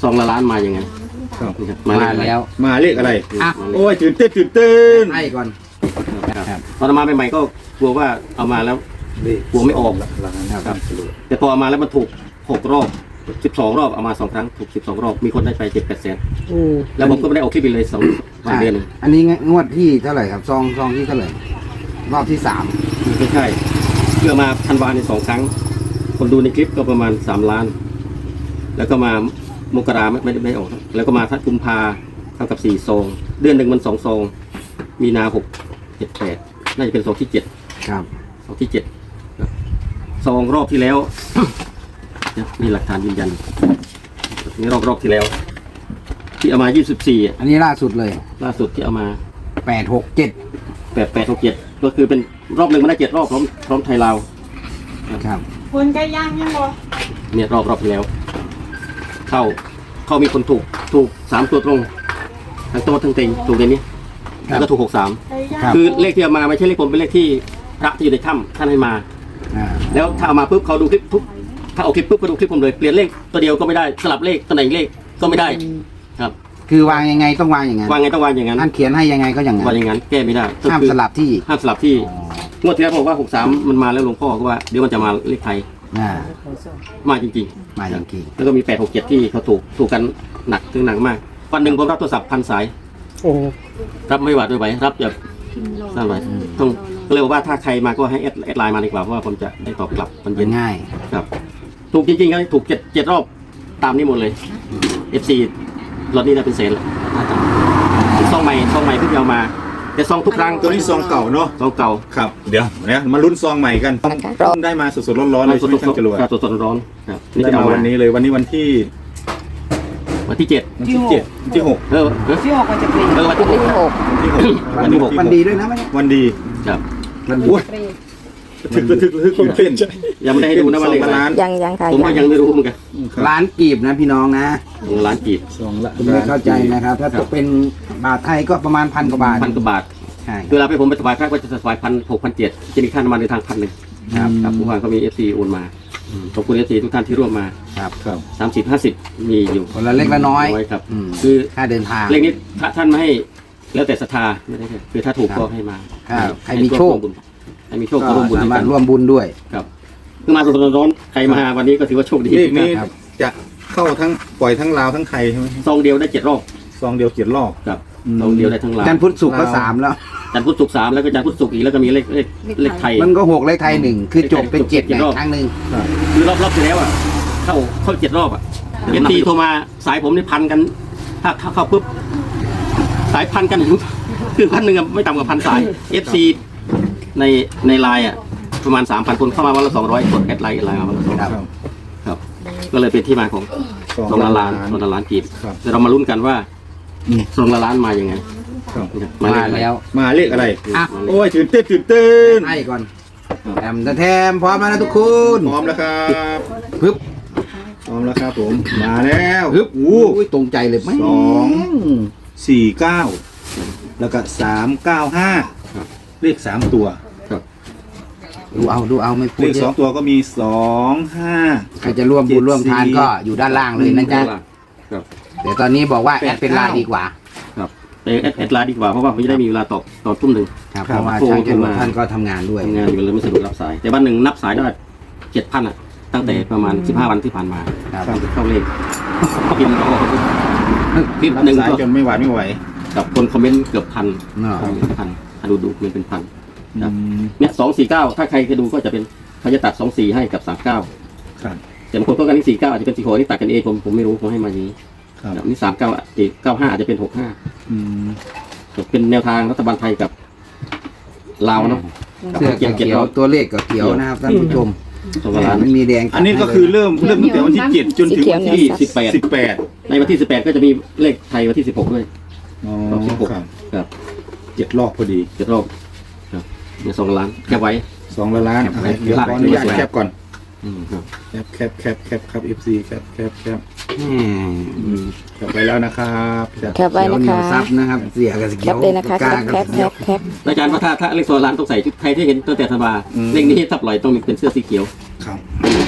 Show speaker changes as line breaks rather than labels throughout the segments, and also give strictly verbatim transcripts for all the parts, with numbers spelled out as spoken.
ซองละล้านมาอย่างไง
มา
มา
แล้ว
มาเลขอะไร
อ่ะ
โอ้ยตื่นเต้นตื่นเต้น
ให้ก่อน
ตอนมาใหม่ๆก็กลัวว่าเอามาแล้วกลัวไม่ออกครับแต่พอเอามาแล้วมันถูกหกรอบสิบสองรอบเอามาสองครั้งถูกสิบสองรอบมีคนได้ไปเจ็ดแปดแสนแล้วผมก็ไม่ได้ออกคลิปเลยสองวันเดือนนึง
อันนี้งวดที่เท่าไหร่ครับซองซองที่เท่าไหร่รอบที่สาม
ไม่ใช่เพื่อมาธันวาในสองครั้งคนดูในคลิปก็ประมาณสามล้านแล้วก็มามกราไม่ได้ไม่ออกแล้วก็มาทัดกุมภาเท่ากับสี่ซองเดือนหนึ่งมันสองซองมีนาหกเจ็ดแปดน่าจะเป็นซองที่เจ็ด
ครับ
ซองที่เจ็ดซองรอบที่แล้วมีหลักฐานยืนยันนี่รอบรอบที่แล้วที่เอามายี่สิบสี่
อันนี้ล่าสุดเลย
ล่าสุดที่เอามา
แปดหกเจ็ด
แปดแปดหกเจ็ดก็คือเป็นรอบหนึ่งมันได้เจ็ดรอบพร้อมพร้อมไทยลาว
ครับ
คนใกล้ย่างยังบ่
เนี่ยรอบรอบที่แล้วเข้าเข้ามีคนถูกถูกสามตัวตรงทั้งโต๊ะทั้งเต็งถูกในนี้แล้วก็ถูกหกสามคือเลขที่เอามาไม่ใช่เลขผมเป็นเลขที่พระที่อยู่ในถ้ำท่านให้มาแล้วถ้าเอามาปุ๊บเขาดูคลิปทุกถ้าเอาคลิปปุ๊บก็ดูคลิปผมเลยเปลี่ยนเลขตัวเดียวก็ไม่ได้สลับเลขตำแหน่งเลขก็ไม่ได้ครับ
คือวางยังไงต้องวางอย่างนั้น
วางไงต้องวางอย่างนั้น
ท่านเขียนให้ยังไงก็อย่างนั้น
วางอย่างนั้นแก้ไม่ได้
ห้ามสลับที่
ห้ามสลับที่งวดที่แล้วผมว่าหกสามมันมาแล้วหลวงพ่อก็ว่าเดี๋ยวมันจะมาเลขไทยมาจริง
ๆมาจริง
ๆแล้วก็มีแปดหกเจ็ดที่เขาถูกถูกกันหนักถึงหนักมากวันหนึ่งผมรับโทรศัพท์พันสายรับไม่หวาดไม่ไหวรับแบบนั่นไว้ต้องก็เลยว่าถ้าใครมาก็ให้แอดไลน์มาดีกว่าเพราะว่าผมจะได้ตอบกลับมันเย็น
ง่าย
ครับถูกจริงๆก็ถูกเจ็ดเจ็ดรอบตามนี้หมดเลย เอฟ ซี รถนี้ได้เป็นเศษเลยซองใหม่ซองใหม่เพิ่งเอามาแต่ซองทุกครั้ง
ตัวนี้ซองเก่าเนาะ
ซองเก่า
ครับเดี๋ยวเนี่ยมาลุ้นซองใหม่กันต้องได้มาสดๆร้อนๆเลย
สดๆร้อนๆสดๆร้อนๆครับ
นี่จะมาวันนี้เลยวันนี้วันที่
วันที่เจ็ด
วันที่เจ็ดวันที่หก
เออ
ที่หกมันจะเป็น
เออวันที่หก
วันที่หก
วันดีด้วยนะ
วันดี
ครับ
วันดีทึกทึกทึกทึกเต้น
ยังไม่ได้ดูนะวันเลข
ล้านยังยังค่ะ
ผมก็ยังไม่รู้เหมือนกัน
ล้านกีบนะพี่น้องนะ
ล้านกีบ
สองละ
ไม่เข้าใจนะครับถ้าตกเป็นบาทไทยก็ประมาณพันกว่าบาท
พันกว่าบาท
ใช่
เวลาไปผมไปถวายพระก็จะถวายพันหกพันเจ็ดจะมีค่าน้ำมันในทางพันหนึ่งครับครับผู้ว่าเขามีเอฟซีโอนมาขอบคุณเอฟซีทุกท่านที่ร่วมมา
ครับครับ
สามสิบห้าสิบมีอยู่
คนละเล็กละน้อย
ครับ
คือค่าเดินทาง
เลขนี้ท่านไม่ให้แล้วแต่ศรัทธาไม่ได้คือถ้าถูกก็ให้มา
ใครมีโชค
ใครมีโชคก็ร่วมบุญ
สามารถร่วมบุญด้วย
ครับคือมาสดๆร้อนๆใครมาวันนี้ก็ถือว่าโชคดี
เลขนี้จะเข้าทั้งปล่อยทั้งลาวทั้งไทยใช่ไหม
ซองเดียวได้เจ็ดรอบ
ซองเดียวเจ็ดรอบ
ครับซองเดียวได้ทั้งลาว
จันทร์พุธศุกร์ก็สามแล้ว
จันทร์พุธศุกร์สามแล้วก็จันทร์พุธศุกร์อีกแล้วก็มีเลขเลขเลขไทย
มันก็หกเลขไทยหนึ่งคือจบเป็นเจ็ดในครั้งหนึ่ง
คือรอบรอบที่แล้วอ่ะเข้าเข้าเจ็ดรอบอ่ะเอฟซีโทรมาสายผมนี่พันกันถ้าเข้าปุ๊บสายพันกันคือพันหนึ่งไม่ต่ำกว่าพันสายเอฟซีในในไลน์อ่ะประมาณสามพันคนเข้ามาวันละสองร้อยคนแอดไลน์ไลน์มาวันละสองร้อยครับก็เลยเป็นที่มาของสองล้านล้านสองล้านล้านกีบแต่เรามาลุ้นกันว่าสองล้านล้านมาอย่างไง
มาแล้ว
มาเลขอะไรโอ้ยตื่นเต้นตื่นเต้น
ให้ก่อนแถมแถมพร้อมแล้วทุกคน
พร้อมแล้วครับ
ปึ๊บ
พร้อมแล้วครับผมมาแล้ว
ปึ๊บอู้ตรงใจเลย
สองสี่เก้าแล้วก็สามเก้าห้าเลขสามตัว
ดูเอาดูเอาไม่พูด
เลขสองตัวก็มีสองห้า
ใครจะร่วมบุญร่วมทานก็อยู่ด้านล่างเลยนะจ๊ะเดี๋ยวตอนนี้บอกว่าแอดเป็นไลน์ดีกว่า
ครับแอดแอดไลน์ดีกว่าเพราะว่าไม่ได้มีเวลาตอบตอบทุ่มหนึ่ง
ครับเพราะว่าช่างจรวดท่านก็ทำงานด้วย
ทำงานอยู่เลยไม่สะดวกรับสายแต่วันหนึ่งนับสายได้เจ็ดพันอ่ะตั้งแต่ประมาณสิบห้าวันที่ผ่านมาเข้าเลขพิมพ์ก็พิมพ์หนึ่ง
จนไม่ไหวไม่ไหว
กับคนคอมเมนต์เกือบพันพันถ้าดูดูมันเป็นพันเนี่ยสองสี่เก้าถ้าใครจะดูก็จะเป็นเขาจะตัดสองสี่ให้กับสามเก้าแต่บางคนต้องการที่สี่เก้าอาจจะเป็นสี่หกที่ตัดกันเองผมผมไม่รู้ผมให้มาอย่างนี้นี่สามเก้าอีกเก้าห้าอาจจะเป็นหกห้าเป็นแนวทางรัฐบาลไทยกับลาวเนาะ
เสื้อเขียวตัวเลขกับเขียวนะครับท่านผู้ชมมันมีแดง
อันนี้ก็คือเริ่มเริ่มตั้งแต่วันที่เจ็ดจนถึงวันที่สิบแปดสิบแปด
ในวันที่สิบแปดก็จะมีเลขไทยวันที่สิบหกด้วย
อ๋อสิบหก
ครับ
เจ็ดรอบพอดี
เจ็ดรอบครับเนี่ยสองล้านแคปไว้
สองล้านเดี๋ยวขออนุญาตแคปก่อนแคปแคปแคปแคปครับเอฟซีแคปแคปแคปแคปไปแล้วนะครับ
แคปไว้นะคะ
ซับนะครับเสียกับเขียว
แคปเลยนะคะแคปแคปแคปแคป
อาจารย์ว่าถ้าถ้าเลขสองล้านต้องใส่ชุดใครที่เห็นตั้งแต่ธันวาเลขนี้ถ้าปล่อยต้องมีเป็นเสื้อสีเขียว
ครับ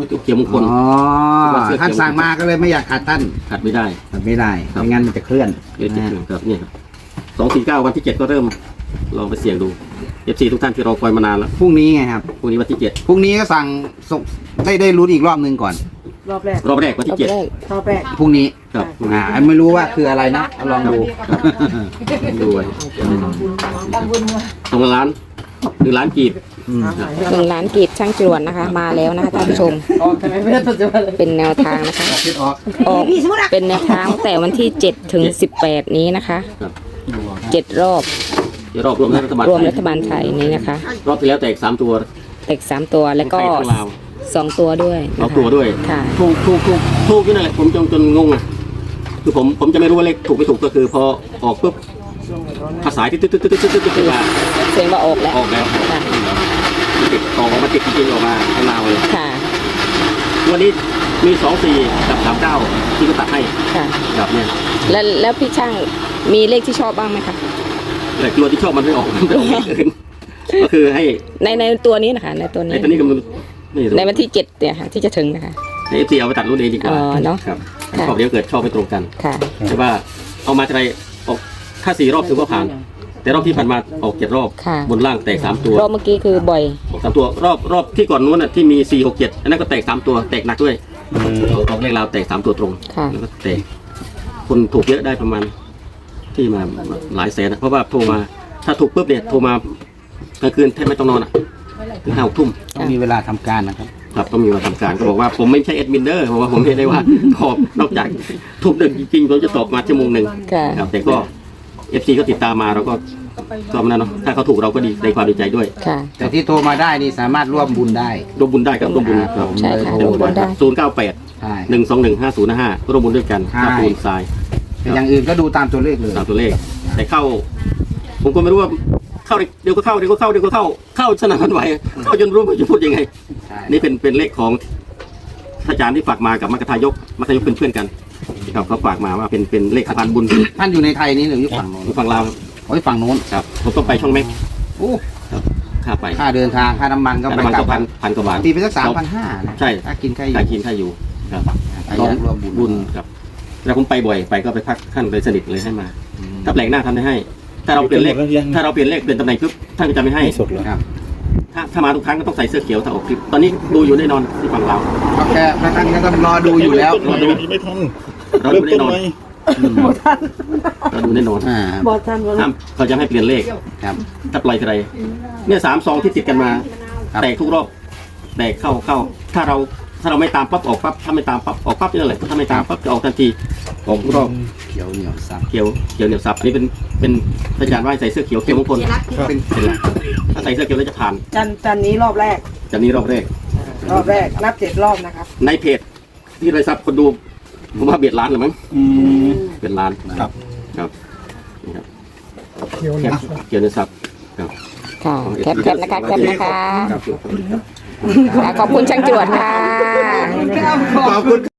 วัตถุเขียวมงคล
อ๋อท่านสั่งมาก็เลยไม่อยากขัดท่าน
ขัดไม่ได้
ขัดไม่ได้
ครับ
ไม่งั้นมันจะเคลื่อน
เดือนเจ็ด
นะ
เดือนครับเนี่ยครับสองสี่เก้าวันที่เจ็ดก็เริ่มลองไปเสี่ยงดูเอฟซีทุกท่านที่รอคอยมานานแล้ว
พรุ่งนี้ไงครับ
พรุ่งนี้วันที่เจ็ด
พรุ่งนี้ก็สั่งส่งได้ได้ลุ้นอีกรอบหนึ่งก่อน
รอบแรก
รอบแรกวัน
รอ
ที่
บ
เจ็ด
แรก
รอบแรก
พรุ่งนี้
ครับ
อ่าไม่รู้ว่าคืออะไรนะเอาลองดู
ดูไว้สองล้านหนึ่งล้านกีบ
อืม
หนึ่งล้านกีบช่างจรวดนะคะ มาแล้วนะคะท่านผู้ชม เป็นแนวทางนะคะ
คิดออก
ออกเป็นแนวทางตั้งแต่วันที่เจ็ดถึงสิบแปดนี้นะคะ
ครับ
เจ็ดรอบ
เดี๋ยวรอบรวมรัฐบาล
รวม
ไท
รั
ย
ฐบาลไทยนี้นะคะ
รอบที่แล้วแตกสามตัว
แตกสามตัวแล้วก็
ไทยของลาว
สองตัวด้วย
สอง
นะคะ
ตัวด้วย
ค่ะ
ถูกถูกถูกถูกอยู่นั่นแหละผมจนจนงงอ่ะคือผมผมจะไม่รู้ว่าเลขถูกไม่ถูกก็คือพอออกปุ๊บภาษาที่ตึ๊ดตึ๊ดตึ๊ดตึ๊ดตึ๊ดตึ๊ดมา
เสียงว่าออกแล้ว
ออกแล้ว
ค่ะ
ติดออกมาติดจริงๆออกมาให้ลาวเลย
ค่ะ
วันนี้มีสองสี่กับสามเก้าที่เขาตัดให้
ค่ะ
ครับเนี่ย
แล้วแล้วพี่ช่างมีเลขที่ชอบบ้างไหมคะ
แต่ตัวที่ชอบมันไม่ออกมันไม่ออกเลขอื่นก็คือให้
ในในตัวนี้นะคะ ในตัว
ใน
นี้
ตัวนี้ก็มันไม่รู้
ในวันที่เจ็ดเนี่ยค่ะที่จะถึงนะคะ
ในเอฟซีเอาไปตัดรุ่นเองดีกว่า
อ๋อเนอะ
ครับ
ค่ะ
ชอบเดี๋ยวเกิดชอบไม่ตรงกัน
ค่ะ
แต่ว่าเอามาจะไรออกถ้าสี่รอบถือว่าผ่าน แต่รอบที่ผ่านมาออกเจ็ดรอบ
ค่ะ
บนล่างแตกสามตัว
รอบเมื่อกี้คือบ่อย
ออกสามตัวรอบรอบที่ก่อนนู้นน่ะที่มีสี่หกเจ็ดอันนั้นก็แตกสามตัวแตกหนักด้วยออกเลขราวแตกสามตัวตรง
ค่ะ
แล้วก็แตกคนถูกเยอะได้ประมาณที่มาหลายแสนนะเพราะว่าโทรมาถ้าถูกปุ๊บเนี่ยโทรมากลางคืนแทบไม่ต้องนอนอ่ะถึงห้าหกทุ่ม
ต้องมีเวลาทำการนะครับ
ครับต้องมีมาทำการก็บอกว่าผมไม่ใช่แอดมินเดอร์เพราะว่าผมไม่ได้ว่าตอบนอกจากทุกเดือนจริงๆผมจะตอบมาชั่วโมงหนึ่ง
ค่ะ
ครับแต่ก็เอฟซีก็ติดตามมาเราก็ก็มันนะเนาะถ้าเขาถูกเราก็ดีในความดีใจด้วย
ค่ะ
แต่ที่โทรมาได้นี่สามารถร่วมบุญได้
ร่วมบุญได้ครับร่วมบุญครับ
ใช่ค่ะร่วมบุญได้
ศูนย์เก้าแปด
ใช่
หนึ่งสองหนึ่งห้าศูนย์ห้าร่วมบุญด้วยกัน
ใช่
ครับปูนทราย
แต่อย่างอื่นก็ดูตามตัวเลขเลย
ตามตัวเลข แต่เข้า ผมก็ไม่รู้ว่าเข้าเดี๋ยวก็เข้าเดี๋ยวก็เข้าเดี๋ยวก็เข้าเข้าสนานมันไหวเข้าจนรู้ว่าจะพูดยังไง
ใช่
นี่เป็นเป็นเลขของอาจารย์ที่ฝากมากับมัคคทายกมัคคทายกเป็นเพื่อนกันครับเขาฝากมาว่าเป็นเป็นเลขสะพานบุญ
ท่านอยู่ในไทยนี่หรืออยู่ฝั่งโน้น
อยู่ฝั่งลาว
โอ้ยฝั่งโน้น
ครับผมต้องไปช่องเม็ก
โอ้
ค่าไป
ค่าเดินทางค่าน้ำมันก็
แต่
ไป
มัน
กลั
ก็
บ
พันพันกว่าบาท
ตีไปสักสามพันห้านะ
ใช่
ถ้ากินแค่อยู่
ค่ากินค่าอยู่ครับ
ใครอยากร่วมบุญ
บุญครับแล้วผมไปบ่อยไปก็ไปพักท่านเลยสนิทเลยให้มา ถ้าแปลกหน้าทำได้ให้ ถ้าเราเปลี่ยนเลขถ้าเราเปลี่ยนเลขเปลี่ยนตำแหน่งปุ๊บท่านก็จะไม่ให้
สดแล้ว
ครับ
ถ้าถ้ามาทุกครั้งก็ต้องใส่เสื้อเขียวถ้าออกคลิปตอนนี้ดูอยู่แน่นอนที่ฝั่งเรา
ก็แค่พระท่านก็ต้องรอดูอยู่แล้ว
รอดูไม่ทัน
เรา
เริ่
ดู
ม
แน่
ต้น
นอน
ไหม
เราดูแน่นอน
อ่า
บอทันวัน
ห้ามเขาจะให้เปลี่ยนเลข
ครับ
ถ้าปล่อยอะไรเนี่ยสามซองที่ติดกันมา
ครับ
แตกทุกรอบแตกเข้าเข้า ถ้าเราถ้าเราไม่ตามปั๊บออกปั๊บถ้าไม่ตามปั๊บออกปั๊บนี่แหละถ้าไม่ตามปั๊บจะออกทันทีออกทุกรอบ
เขียวเหนียวซับ
เขียวเขียวเหนียวซับอันนี้เป็นเป็นอาจารย์ว่าให้ใส่เสื้อเขียวเขียวมงคล
เป็น
เป็นไรถ้าใส่เสื้อเขียวแล้วจะผ่าน
จันจันนี้รอบแรก
จากนี้รอบแรก
รอบแรกนับเจ็ดรอบนะครับ
ในเพจที่ไรซับคนดูผมว่าเบียดล้านหรือมั้ง
อืม
เป็นล้าน
ครับ
ครับนี่ครับเขียวเนี่ยเขียวเหนียวซับครับ
ค่ะ แคปแคปนะคะแคปนะคะ
ครับ
ค่ะขอบคุณช่างจรวดค่ะ
ขอบคุณ